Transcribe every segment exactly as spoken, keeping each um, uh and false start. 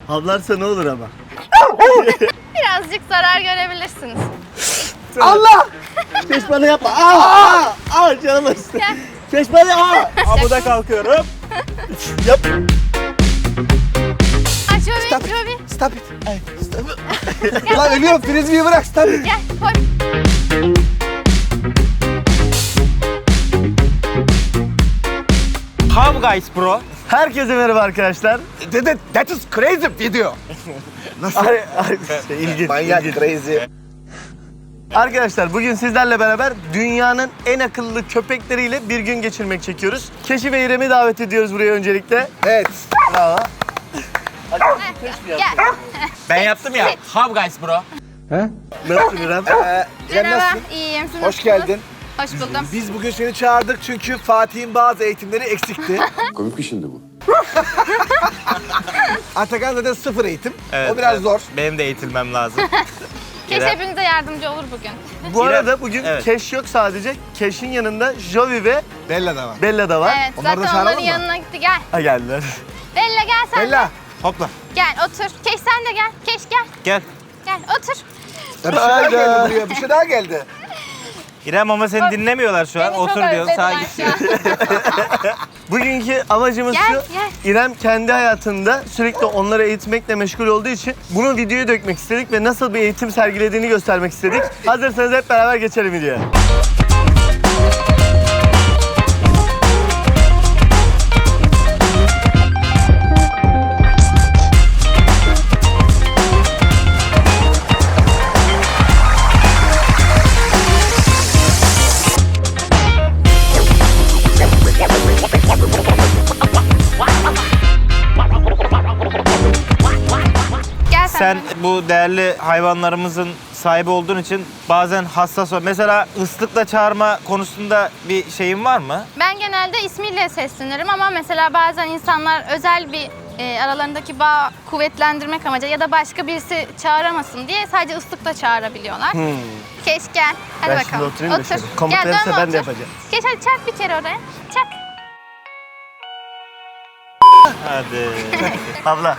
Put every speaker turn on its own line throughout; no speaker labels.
Havlarsa ne olur ama?
Birazcık zarar görebilirsiniz.
Allah! Keş bana yapma. Aa! Aa! Aa! Canım acıdı. Keş bana aa!
Amuda kalkıyorum.
Yap.
Aç Jovi, Jovi.
Stop it. Ay, stop it. Lan ölüyorum. Frisbee'yi bırak. Stop it.
Gel, koy.
How guys bro?
Herkese merhaba arkadaşlar.
That, that, that is crazy video. Nasıl?
Ay, ay, şey, ilginç,
Manyak
ilginç.
crazy.
Arkadaşlar bugün sizlerle beraber dünyanın en akıllı köpekleriyle bir gün geçirmek çekiyoruz. Keşi ve İrem'i davet ediyoruz buraya öncelikle.
Evet.
Bravo.
Gel.
Ben yaptım ya. How guys bro?
Nasılsın İrem?
Ee, İrem
Merhaba,
nasılsın?
iyiyim. Siz
Hoş
nasılsınız?
geldin.
Hoş buldum.
Biz bugün seni çağırdık çünkü Fatih'in bazı eğitimleri eksikti.
Komik bir şimdi bu.
Atakan zaten sıfır eğitim.
Evet,
o biraz
evet.
zor.
Benim de eğitilmem lazım.
Keş
İrem.
hepinize yardımcı olur bugün.
Bu
İrem,
arada bugün
evet.
Keş yok sadece. Keş'in yanında Jovi ve
Bella da var.
Bella da var.
Evet,
Onları da
zaten
çağıralım
onların
mı?
yanına gitti. Gel.
Ha geldiler.
Bella gel sen
Bella.
de.
Hopla.
Gel otur. Keş sen de gel. Keş gel.
Gel.
Gel otur.
Ya bir şey daha geldi buraya. Bir şey daha geldi.
İrem ama seni dinlemiyorlar şu an.
Beni çok
Otur diyorsun sağa
özlediler
git.
şu an.
Bugünkü amacımız
Gel,
şu.
gel.
İrem kendi hayatında sürekli onları eğitmekle meşgul olduğu için bunu videoya dökmek istedik ve nasıl bir eğitim sergilediğini göstermek istedik. Hazırsanız hep beraber geçelim videoya.
Gel sen.
Sen
de.
bu değerli hayvanlarımızın sahibi olduğun için bazen hassas ol. Mesela ıslıkla çağırma konusunda bir şeyin var mı?
Ben genelde ismiyle seslenirim ama mesela bazen insanlar özel bir e, aralarındaki bağ kuvvetlendirmek amacıyla ya da başka birisi çağıramasın diye sadece ıslıkla çağırabiliyorlar.
Hmm.
Keş gel. Hadi
Ben
bakalım.
şimdi oturayım da
otur.
şöyle. Komut
Gel,
verirse
dönme,
ben de
otur.
yapacağım.
Geç hadi çak bir kere oraya. Çak.
Hadi.
Abla.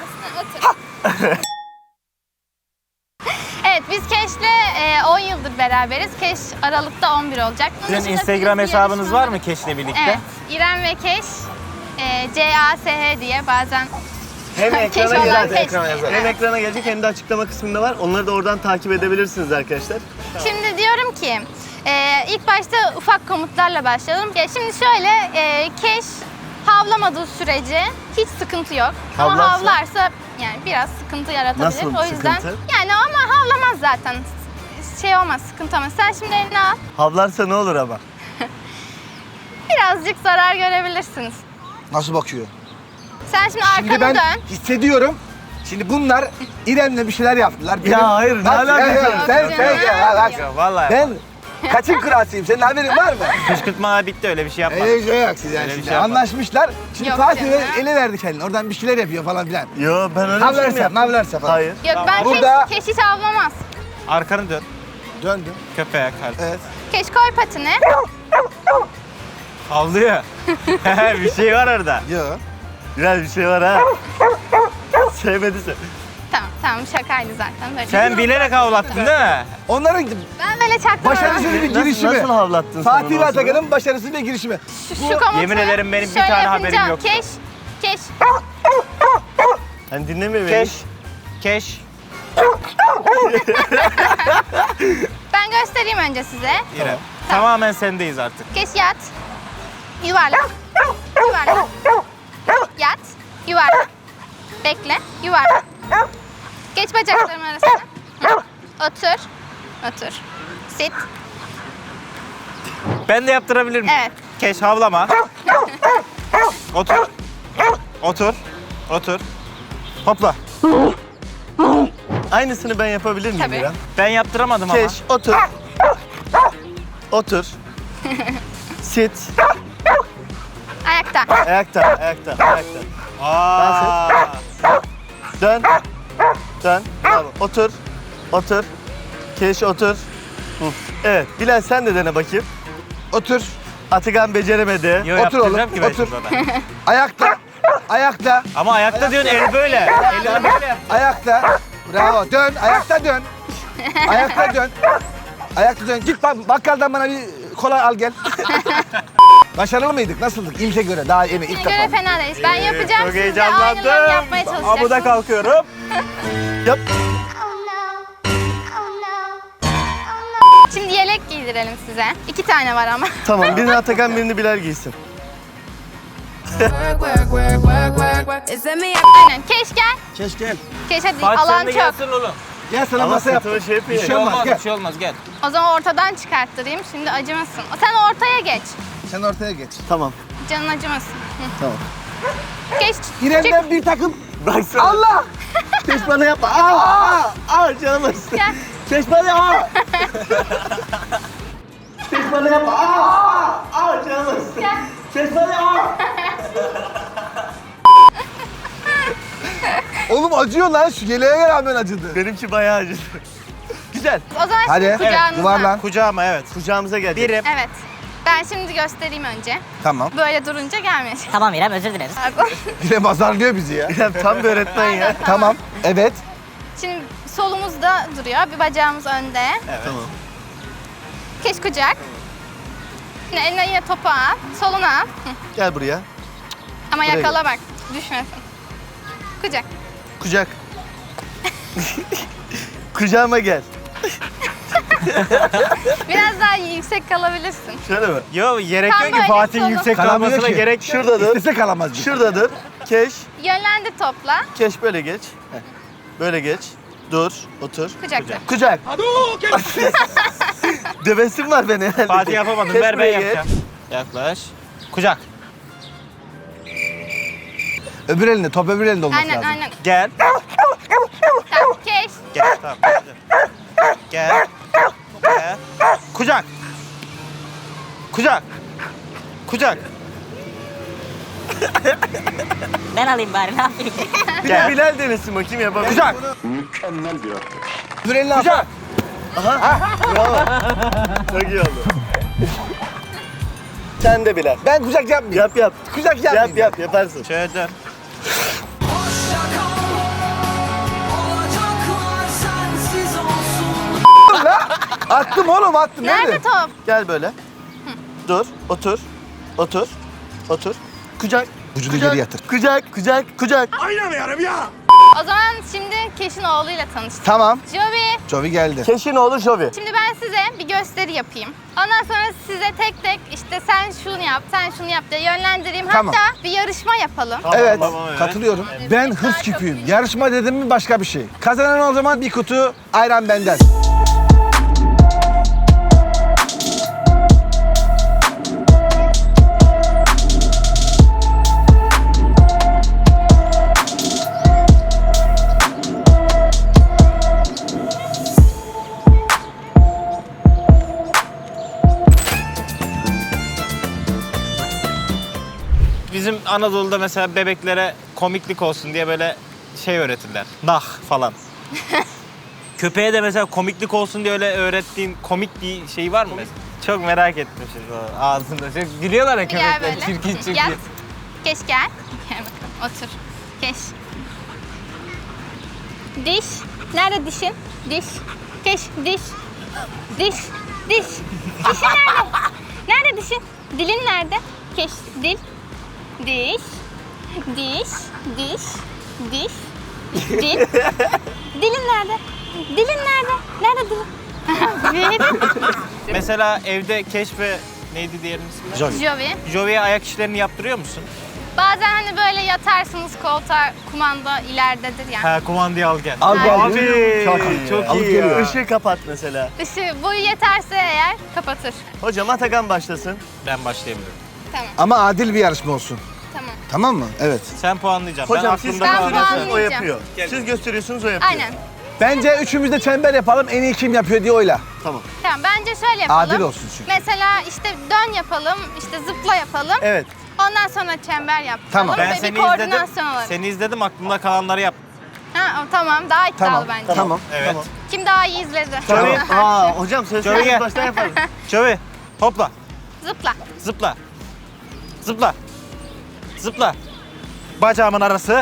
Evet biz Keş'le e, on yıldır beraberiz. Keş Aralık'ta on bir olacak. Bunun
Sizin
dışında
Instagram
frisbee
hesabınız var
yarışmaları-
mı Keş'le birlikte?
Evet. İrem ve Keş. E, C A S H diye bazen
Hem
Keş
ekrana
olan
gelecek,
Keş.
hem ekrana gelecek hem de açıklama kısmında var. Onları da oradan takip edebilirsiniz arkadaşlar.
Şimdi diyorum ki e, ilk başta ufak komutlarla başlayalım. Ya şimdi şöyle e, Keş havlamadığı sürece hiç sıkıntı yok. Ama
Havlarsa?
havlarsa yani biraz sıkıntı yaratabilir.
Nasıl
o yüzden
sıkıntı?
yani ama havlamaz zaten. Şey olmaz, sıkıntı olmaz. Sen şimdi elini al.
Havlarsa ne olur ama?
Birazcık zarar görebilirsiniz.
Nasıl bakıyor?
Sen şimdi arkanı
Şimdi ben
dön.
hissediyorum. Şimdi bunlar İrem'le bir şeyler yaptılar.
Ya hayır, ne
Bak,
alakası
ya, ya,
var?
Sen,
Yok
sen
canım.
gel. Bak,
Ya vallahi.
ben kaçın kralsıyım. Senin haberin var mı?
Kışkırtma bitti öyle bir şey yapma.
Öyle bir şey yok siz yani.
Öyle bir
Şimdi
şey yapma.
anlaşmışlar. Şimdi
Yok
Fatih
canım.
ele verdi kendini. Oradan bir şeyler yapıyor falan filan.
Yo ben öyle bir şey mi
Havlarsa,
yaptım?
mavlarsa falan.
Hayır.
Yok ben
Burada-
keş, keş hiç avlamaz.
Arkanı dön.
Döndüm.
Köpeğe karşı.
Evet.
Keş koy patini.
Havlıyor. Bir şey var orada.
Yok.
Biraz bir şey var ha. Sevmedi sen.
Tamam tamam şakaydı zaten. Böyle.
Sen bilerek havlattın değil mi?
Onların
Ben böyle çaktım.
başarısız bir
Nasıl,
girişimi.
nasıl havlattın sen
Fatih
onu
ve
o sırada?
Atakan'ın başarısız bir girişimi.
Şu, şu komutu
Yemin ederim benim bir
şöyle
tane
yapınca
haberim yoktu.
Keş, keş.
Hani dinlemiyor beni.
Keş. Keş.
Ben göstereyim önce size.
İrem. Tamamen sendeyiz artık.
Keş yat. Yuvarlak. Yuvarlak. Yat. Yuvarlak. Bekle. Yuvarlak. Geç bacaklarım arasına. Hı. Otur. Otur. Sit.
Ben de yaptırabilir miyim?
Evet.
Keş havlama. Otur. Otur. Otur. Hopla.
Aynısını ben yapabilir miyim
Tabii.
İrem?
Ben yaptıramadım ama.
Keş, otur. Otur. Sit.
Ayakta.
Ayakta, ayakta, ayakta.
Aa.
Dön. Dön. Bravo. Otur. Otur. Keş otur. Hı. Evet. Bilal sen de dene bakayım.
Otur.
Atakan beceremedi.
Yo,
Otur oğlum,
yaptıracağım ki ben
otur.
şimdi ona.
Ayakta. Ayakta.
Ama ayakta diyorsun el böyle. El böyle.
Ayakta. Bravo. Dön. Ayakta dön. Ayakta dön. Ayakta dön. Git bak bakkaldan bana bir kola al gel. Başarılı mıydık? Nasıldık? İlke göre. Daha yeni ilk
Göre
defa.
fena değil. Ben yapacağım,
Çok
siz de aynılarını
heyecanlandım.
yapmaya çalışacaksınız.
Amuda kalkıyorum.
Yap.
Şimdi yelek giydirelim size. İki tane var ama.
Tamam, birini Atakan, birini Bilal giysin.
Aynen. Keş gel.
Keş gel.
Keş hadi
Fatih
alan
sen de
çok.
gelsin oğlum.
Gel sana
Ama
masa yap.
sırtıma şey
Bir
yapayım.
şey olmaz. Gel.
Bir şey olmaz gel.
O zaman ortadan çıkarttırayım. Şimdi acımasın. Sen ortaya geç.
Sen ortaya geç.
Tamam,
Canın acımasın. Hı.
tamam.
Geç. çık.
İrem'den bir takım.
Baksana.
Allah!
Keş bana yapma. Aa, aa, aa canım acısı.
Gel.
Keş bana yapma. Keş bana yapma. Aa, aa, aa canım acısı.
Gel.
Keş bana yapma.
Oğlum acıyor lan. Şu yeleğe rağmen acıdı.
Benimki bayağı acıdı. Güzel.
O zaman
Hadi.
şimdi kucağınıza.
Yuvarlan.
Kucağıma evet.
Kucağımıza geldik.
Birim.
Evet. Ben şimdi göstereyim önce.
Tamam.
Böyle durunca gelmeyecek.
Tamam İrem özür dileriz.
Pardon.
İrem azarlıyor bizi ya.
İrem tam bir öğretmen ya.
Tamam. Evet.
Şimdi solumuzda duruyor. Bir bacağımız önde.
Tamam.
Keş kucak. Yine eline yine topu al. Soluna al. Hı.
Gel buraya.
Ama
Buraya
yakala bak. Düşmesin. Kucak.
Kucak. Kucağıma gel.
Biraz daha yüksek kalabilirsin.
Şöyle mi?
Yo gerek
Tam
yok ki
böyle
Fatih'in
solun.
yüksek
Kalamıyor
kalmasına
ki.
gerek.
Şurada dur.
İstese kalamaz bizi.
Şurada dur. Keş.
Yönlendir topla.
Keş böyle geç. Heh. Böyle geç. Dur. Otur.
Kucakla.
Kucak. Dövesim var beni herhalde.
Fatih yapamadım.
Keş
Ver ben
buraya geç.
yapacağım. Yaklaş. Kucak.
Öbür elinde, top öbür elinde olması
Aynen
lazım.
aynen.
Gel.
Tamam, keş.
Gel tamam. Gel. Gel. Kucak. Kucak. Kucak.
Ben alayım bari ne yapayım?
Bir de
Gel.
Bilal denesin bakayım yapabilir.
Kucak.
Mükemmel bir atlet.
Öbür elini al.
Kucak.
Bravo. Çok iyi oldu. Sen de Bilal.
Ben kucak yapmayayım.
Yap yap.
Kucak
Yap
yapmayayım.
yap yaparsın.
Şöyle dön.
Attım oğlum attım.
Nerede top?
Gel böyle. Dur. Otur. Otur. Otur. Kucak.
Vücudu
Kucak.
geri yatır.
Kucak. Kucak. Kucak.
O zaman şimdi Keş'in oğluyla tanıştık.
Tamam.
Jovi.
Jovi geldi.
Keşin oğlu Jovi.
Şimdi ben size bir gösteri yapayım. Ondan sonra size tek tek işte sen şunu yap, sen şunu yap diye yönlendireyim.
Tamam.
Hatta bir yarışma yapalım.
Tamam,
Evet,
tamam, evet.
katılıyorum. Ben hız küpüyüm. Yarışma dedim mi başka bir şey. Kazanan o zaman bir kutu ayran benden.
Bizim Anadolu'da mesela bebeklere komiklik olsun diye böyle şey öğretirler. Nah falan. Köpeğe de mesela komiklik olsun diye öyle öğrettiğin komik bir şey var mı mesela? Çok merak ettim şimdi o ağzında. Çok gülüyorlar ya
Gel
köpekler
böyle.
çirkin çirkin.
Yat. Keş gel. Gel bakalım otur. Keş. Diş. Nerede dişin? Diş. Keş diş. Diş. Diş. Dişin nerede? Nerede dişin? Dilin nerede? Keş. Dil. Diş. Diş. Diş. Diş. Dil. Dilin nerede? Dilin nerede? Nerede dilin?
Mesela evde Keşfe neydi diğerinin ismi?
Jovi.
Jovi'ye ayak işlerini yaptırıyor musun?
Bazen hani böyle yatarsınız koltuğa, kumanda ileridedir ya.
Ha kumandayı al gel.
Al gel.
Abi çok iyi.
çok
Alıp
iyi
geliyor.
ya.
Işığı kapat mesela.
Işığı bu yeterse eğer kapatır.
Hocam Atakan başlasın.
Ben başlayabilirim.
Tamam,
Ama adil bir yarışma olsun.
tamam.
Tamam mı? Evet.
Sen puanlayacaksın.
Hocam
ben
siz
aklımda
Ben
kalan-
gösteriyorsunuz o
puanlayacağım.
yapıyor. Siz gösteriyorsunuz o yapıyor.
Aynen.
Bence üçümüz de çember yapalım. En iyi kim yapıyor diye oyla.
Tamam.
Tamam, bence şöyle yapalım.
Adil olsun çünkü.
Mesela işte dön yapalım, işte zıpla yapalım.
Evet.
Ondan sonra çember yapalım.
Tamam.
Ben
Ve
seni
bir
izledim.
koordinasyon olur.
Seni izledim aklımda kalanları yap.
Ha, o, tamam, daha iddialı
Tamam.
bence.
Tamam.
Evet.
Tamam.
Kim daha iyi izledi?
Tabii.
Aa hocam
Şöyle
söyleseniz
gel.
baştan yapalım.
Jovi hopla.
Zıpla.
Zıpla. Zıpla. Zıpla. Bacağımın arası.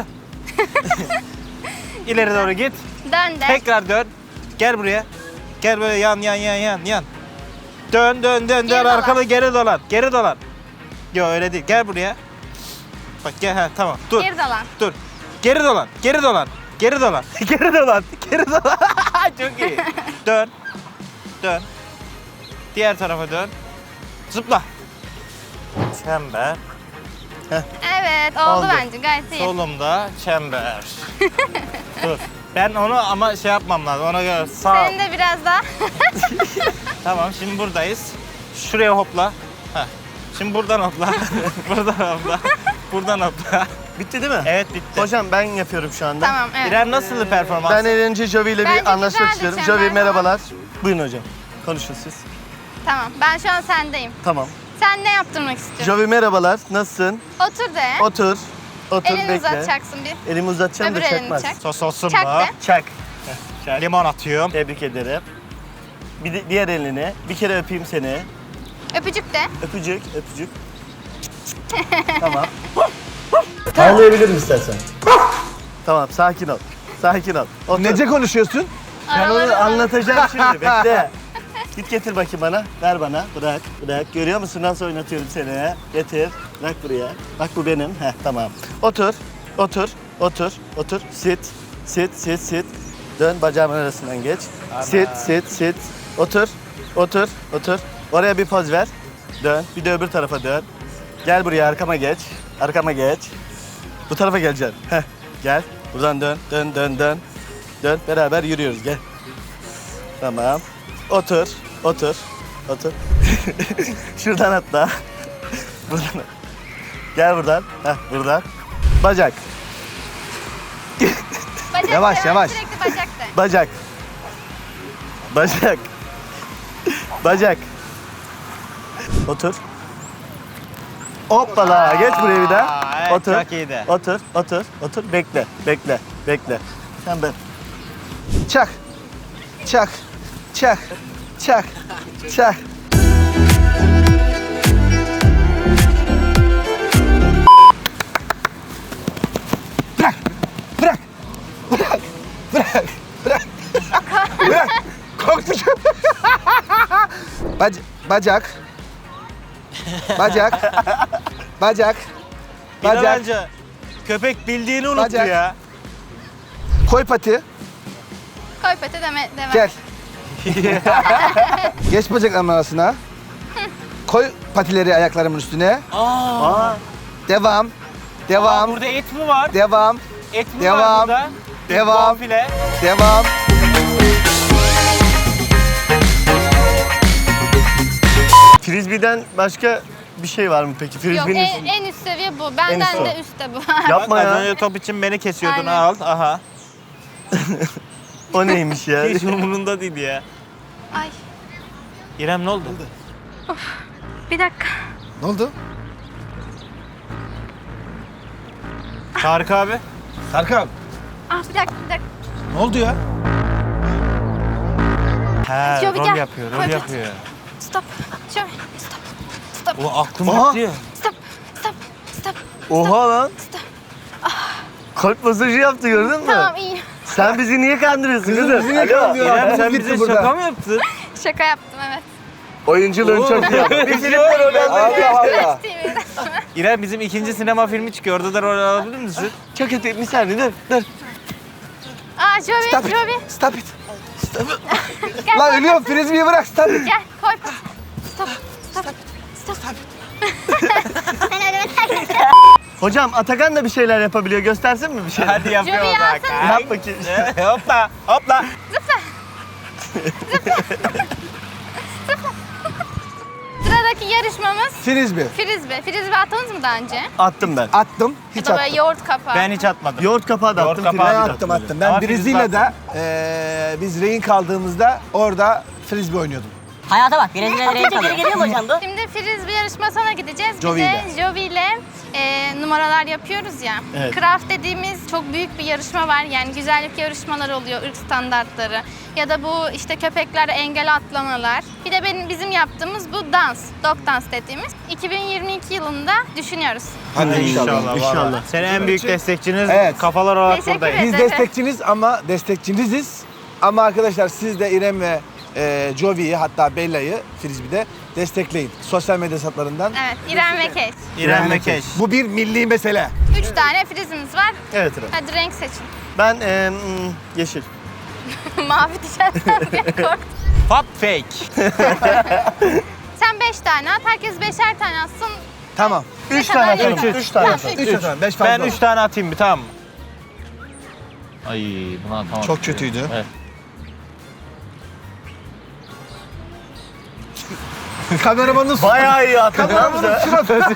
İleri doğru git.
Dön de.
Tekrar dön. Gel buraya. Gel böyle yan yan yan yan yan. Dön dön dön
Geri
dön
dolan.
arkalı geri dolan. Geri dolan. Yok öyle değil. Gel buraya. Bak gel ha tamam. Dur.
Geri dolan.
Dur. Geri dolan. Geri dolan. Geri dolan. Geri dolan. Geri dolan. Çok iyi. Dön. Dön. Diğer tarafa dön. Zıpla. Çember.
Evet oldu,
Oldu.
bence gayet iyi.
Solumda çember. Dur. Ben onu ama şey yapmam lazım. Ona göre sağ.
Senin de biraz daha.
Tamam şimdi buradayız. Şuraya hopla. Heh. Şimdi buradan hopla. buradan hopla. Buradan hopla.
Bitti değil mi?
Evet bitti.
Hocam ben yapıyorum şu anda.
Tamam evet.
İrem nasıldı performans?
Ben eğlence Jovi ile
Bence
bir anlaşmak
güzeldi
istiyorum.
çember
Jovi
falan.
merhabalar. Buyurun hocam. Konuşun siz.
Tamam ben şu an sendeyim.
Tamam.
Sen ne yaptırmak istiyorsun?
Jovi merhabalar. Nasılsın?
Otur de.
Otur. Otur
Elini
bekle.
uzatacaksın bir.
Elimi uzatacağım
Öbür
da
elini
çakmaz.
çak.
Sos olsun
Çak
mu?
de.
Çak.
Limon atıyorum.
Tebrik ederim. Bir de diğer elini. Bir kere öpeyim seni.
Öpücük de.
Öpücük, öpücük. Tamam. Ağlayabilirim istersen. Tamam, sakin ol. Sakin ol. Otur.
Nece konuşuyorsun?
Ben
Araları
onu
var.
anlatacağım şimdi. Bekle. Git getir bakayım bana. Ver bana. Bırak, bırak. Görüyor musun nasıl oynatıyorum seni? Getir. Bırak buraya. Bak bu benim. Heh, tamam. Otur. Otur. Otur. Otur. Sit. Sit, sit, sit. Dön bacağımın arasından geç. Sit, sit, sit. Otur. Otur. Otur. Oraya bir poz ver. Dön. Bir de öbür tarafa dön. Gel buraya arkama geç. Arkama geç. Bu tarafa geleceksin. Heh. Gel. Buradan dön. Dön, dön, dön. Dön. Beraber yürüyoruz. Gel. Tamam. Otur. Otur. Otur. Şuradan atla. Buradan. Gel buradan. Heh, buradan. Bacak.
Bacak
Yavaş,
de,
yavaş.
Sürekli bacak de.
Bacak. Bacak. Bacak. Otur. Hoppala. Geç buraya bir daha.
Aa, evet,
Otur.
çok iyiydi.
Otur. Otur. Otur. Bekle. Bekle. Bekle. Sen ben.
Çak. Çak. Çak. Çak. Çak. Bırak. Bırak. Bırak. Bırak. Bırak. Bırak. Korktu. Bac bacak. Bacak. Bacak. Bacak.
İnanınca köpek bildiğini unuttu
Bacak.
ya.
Koy pati.
Koy pete deme, deme.
Gel. Geç bacaklarımın arasına. Koy patileri ayaklarımın üstüne.
Aa,
Devam. Devam.
burada et mi var?
Devam.
Et mi
Devam.
var burada?
Devam.
Bonfile.
Devam.
Frisbee'den başka bir şey var mı peki?
Yok
Frisbee'nin
en, en üst seviye bu. Benden
üst o.
de üstte bu.
Yapma
Bak, az
ya.
önce top için beni kesiyordun
Aynen.
al. Aha.
O neymiş ya?
Hiç umurunda değil ya.
Ay
İrem ne oldu?
bir dakika.
Ne oldu?
Tarık abi.
Serkan.
Ah bir dakika bir dakika.
Ne oldu ya?
He,
Şöyle bir
rol
gel.
yapıyor, rol
Koy,
yapıyor.
Stop. Şöyle stop. Stop.
O aklım
Aha.
gitti ya.
Stop. Stop. Stop.
Oha lan.
Stop.
Kalp masajı yaptı gördün mü?
Tamam iyi.
Sen bizi niye kandırıyorsun kızım?
bizi niye
Alo.
kandırıyorsun?
İrem sen
Gitti
bize
burada.
şaka mı yaptın?
Şaka yaptım evet.
Oyunculuğun çok iyi. Bir film var orada.
Allah Allah.
T V'de.
İrem bizim ikinci sinema filmi çıkıyor. Orada da rol alabilir misin?
Çok kötü. Bir saniye dur. Dur.
Aa Jovi,
Stop it.
Jovi.
Stop it.
Gel
Lan
koy.
ölüyorum. Frisbee'yi bırak. Stop it.
Gel koy. Stop. Stop. Stop.
Hocam Atakan da bir şeyler yapabiliyor. Göstersin mi bir şeyler?
Hadi yapıyor
Jovi
o zaman.
alsana.
Yap bakayım.
hopla, hopla.
Sıradaki yarışmamız
Frisbee.
frisbee. Frisbee attınız mı daha önce?
Attım ben.
Attım.
Ya
Hiç
da böyle
attım.
yoğurt kapağı.
Ben hiç atmadım.
Yoğurt kapağı da
Yoğurt
attım.
kapağı
frisbee
Ben
de
attım
attım.
attım. Ben
Ama
Brezilya'da eee biz rehin kaldığımızda orada frisbee oynuyordum.
Hayata bak. Brezilya direği çalıyor. Geliyor mu hocam bu?
Şimdi frisbee yarışmasına gideceğiz. Bir
Jovi
de
ile.
Jovi ile e, numaralar yapıyoruz ya.
Evet.
Craft dediğimiz çok büyük bir yarışma var. Yani güzellik yarışmaları oluyor, ırk standartları. Ya da bu işte köpeklere engel atlamalar. Bir de benim bizim yaptığımız bu dans, dog dans dediğimiz. iki bin yirmi iki yılında düşünüyoruz.
Hadi inşallah.
İnşallah.
İnşallah.
vallahi. Senin en büyük destekçiniz
Evet.
kafalar olarak
Teşekkür
buradayız.
Biz
ederim.
destekçiniz ama destekçiniziz. Ama arkadaşlar siz de İrem ve e, Jovi'yi hatta Bella'yı Frisbee'de destekleyin. Sosyal medya hesaplarından.
Evet, İrem ve Keş.
İrem ve Keş.
Bu bir milli mesele.
Üç tane frizimiz var.
Evet İrem.
Hadi renk seçin.
Ben e, mm, yeşil.
Mavi tişörtler diye korktum.
Pop fake.
Sen beş tane at, herkes beşer tane atsın.
Tamam.
Üç
kadar
tane
yeter?
atalım. Üç tane
Tamam,
atalım.
üç.
Üç atalım. Beş fazla.
Ben üç tane atayım bir, tamam mı? Ay buna atamadım.
Çok kötüydü.
Evet.
Kameramanın
Bayağı iyi attın lan
Kameramanın
bize.
suratı.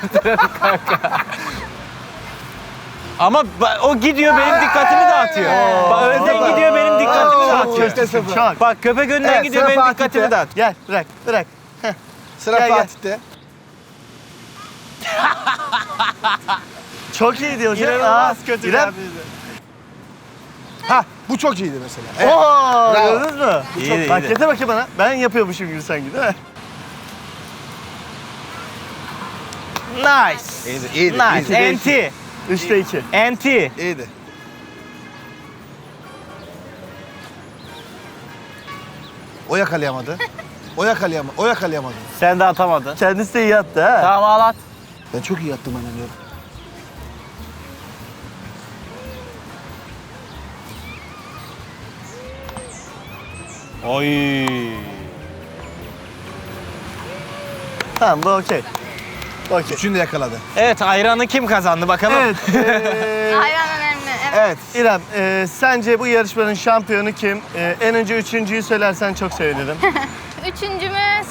Ama ba- o gidiyor benim dikkatimi dağıtıyor. Bak önden gidiyor benim dikkatimi
Oo,
dağıtıyor.
işte sıfır.
Çok.
Bak köpek önden
Evet,
gidiyor
sıra
benim
Fatih'te.
dikkatimi dağıtıyor.
Gel bırak bırak.
Sıra
Gel, gel.
Fatih'te.
Çok iyiydi hocam.
İnanılmaz
Aa,
kötü
İrem.
ya.
Ha bu çok iyiydi mesela. Evet.
Oo,
Bravo.
gördünüz mü?
İyiydi,
Bak
iyiydi.
getir bakayım bana. Ben yapıyormuşum gibi sanki değil mi?
Nice.
İyiydi, iyiydi,
Nice.
iyiydi.
Enti.
Üçte iki.
Enti.
İyiydi. O yakalayamadı. O yakalayamadı. O yakalayamadı.
Sen de atamadın.
Kendisi de iyi attı ha.
Tamam al at.
Ben çok iyi yattım anlıyorum.
Oy.
Tamam bu okey. Okey.
Üçünü de yakaladı.
Evet, ayranı kim kazandı bakalım?
Evet. eee,
Hayvan önemli. Evet.
Evet.
İrem, eee, sence bu yarışmanın şampiyonu kim? Eee, en önce üçüncüyü söylersen çok sevinirim.
Üçüncümüz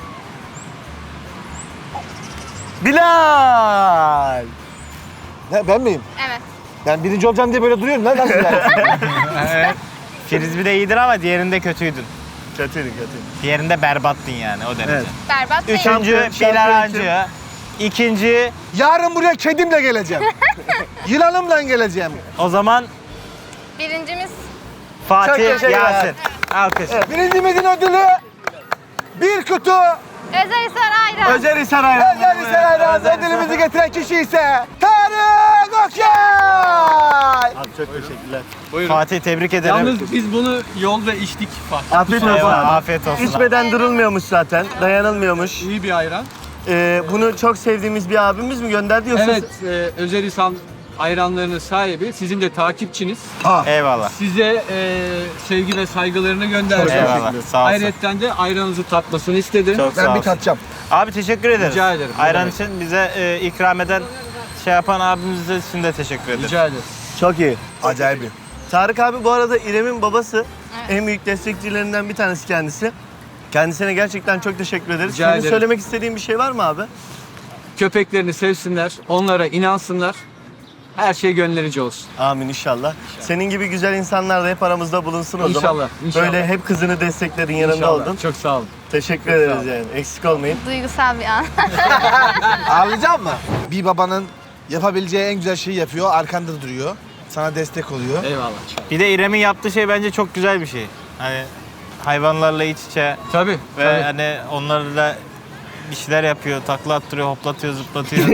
Bilal!
Ne, ben miyim?
evet.
Ben birinci olacağım diye böyle duruyorum lan. Nasıl yani?
Evet. Frisbee de iyidir ama diğerinde kötüydün.
Kötüydü kötü.
Diğerinde berbattın yani o derece.
Evet.
Berbat değil.
Üçüncü
Şampiyon- şampiyon
Bilal Hancı. İkinci
Yarın buraya kedimle geleceğim. Yılanımla geleceğim.
o zaman
Birincimiz
Çok
Fatih
teşekkürler.
Yasin. Alkış.
Birincimizin ödülü bir kutu
Özelhisar Ayran.
Özel Hisar Ayran.
Özel Hisaray'dan ödülümüzü getiren kişi ise Tarık Okyay.
Abi çok teşekkürler.
Fatih tebrik ederim.
Yalnız biz bunu yolda içtik Fatih.
Afiyet olsun.
Eyvallah,
abi.
afiyet olsun.
İçmeden durulmuyormuş zaten. Dayanılmıyormuş.
İyi bir ayran.
Ee, bunu çok sevdiğimiz bir abimiz mi gönderdi yoksa?
Evet, e, Özel İhsan ayranlarının sahibi, sizin de takipçiniz.
Eyvallah.
Size e, sevgi ve saygılarını gönderdi.
Eyvallah. Sağ olsun.
Ayrıca de ayranınızı tatmasını istedi.
Çok sağ
Ben bir
olsun.
tatacağım.
Abi teşekkür ederiz.
Rica ederim, ne
Ayran
demek.
için bize e, ikram eden şey yapan abimize için de teşekkür ederiz.
Rica ederim.
Çok iyi.
Acayip.
Tarık abi bu arada İrem'in babası.
Evet.
En büyük destekçilerinden bir tanesi kendisi. Kendisine gerçekten çok teşekkür ederiz.
Rica
Senin
ederim.
söylemek istediğin bir şey var mı abi?
Köpeklerini sevsinler, onlara inansınlar. Her şey gönlerince olsun.
Amin inşallah. Senin gibi güzel insanlar da hep aramızda bulunsun o zaman.
İnşallah, inşallah.
Böyle hep kızını destekledin, yanında
İnşallah.
oldun.
Çok sağ olun.
Teşekkür ederiz yani. Eksik olmayın.
Duygusal bir an.
Ağlayacak mı? Bir babanın yapabileceği en güzel şeyi yapıyor. Arkanda duruyor. Sana destek oluyor.
Eyvallah.
Bir de İrem'in yaptığı şey bence çok güzel bir şey. Hani hayvanlarla iç içe
Tabii.
ve
tabii.
hani onlarla bir şeyler yapıyor, takla attırıyor, hoplatıyor, zıplatıyor.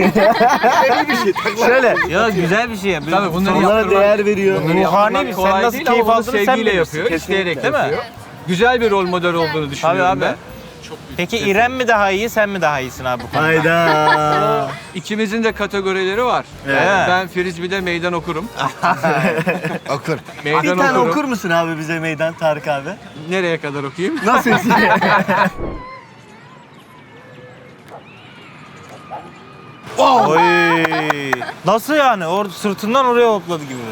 Şöyle.
Ya güzel bir şey ya.
Tabii bunları
Onlara
yaptırmak,
değer veriyor.
bunları
Ruhani
yaptırmak
bir-
kolay
sen nasıl
değil
keyif
ama bunu
aldığını sen
sevgiyle
bilirsin.
yapıyor,
Kesinlikle.
isteyerek değil mi? Güzel bir rol model olduğunu düşünüyorum
Tabii abi.
ben.
Peki İrem mi daha iyi, sen mi daha iyisin abi bu konuda?
Hayda.
İkimizin de kategorileri var.
Evet.
Ben Frisbee'de meydan okurum.
Okur.
Bir
Meydan
tane
okurum.
okur musun abi bize meydan Tarık abi?
Nereye kadar okuyayım?
Nasıl istiyor?
Oy. Nasıl yani? Or sırtından oraya hopladı gibi.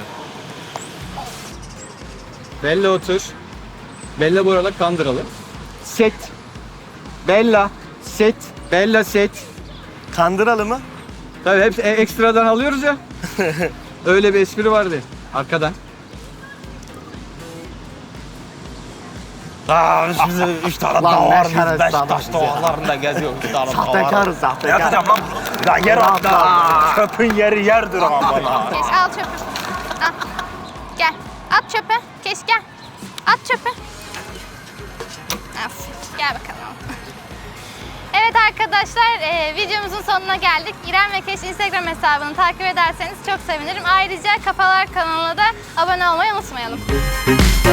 Bella otur. Bella bu arada Kandıralı. Set. Bella. Set. Bella set.
Kandıralı mı?
Tabii hepsi e- ekstradan alıyoruz ya. Öyle bir espri vardı arkadan.
Aa, biz üç tane
Lan
dağ
ne
var, biz
şerefsiz
Beşiktaş
adamız ya.
dağlarında geziyoruz. Üç tane dağ var.
Sahtekarız, sahtekar.
Yatacağım lan. Ya yer hatta. Çöpün yeri yerdir ama bana.
Keş al çöpü. Al. Gel. At çöpe. Keş gel. At çöpe. Aferin. Gel bakalım. Evet arkadaşlar, e, videomuzun sonuna geldik. İrem ve Keş Instagram hesabını takip ederseniz çok sevinirim. Ayrıca Kafalar kanalına da abone olmayı unutmayalım.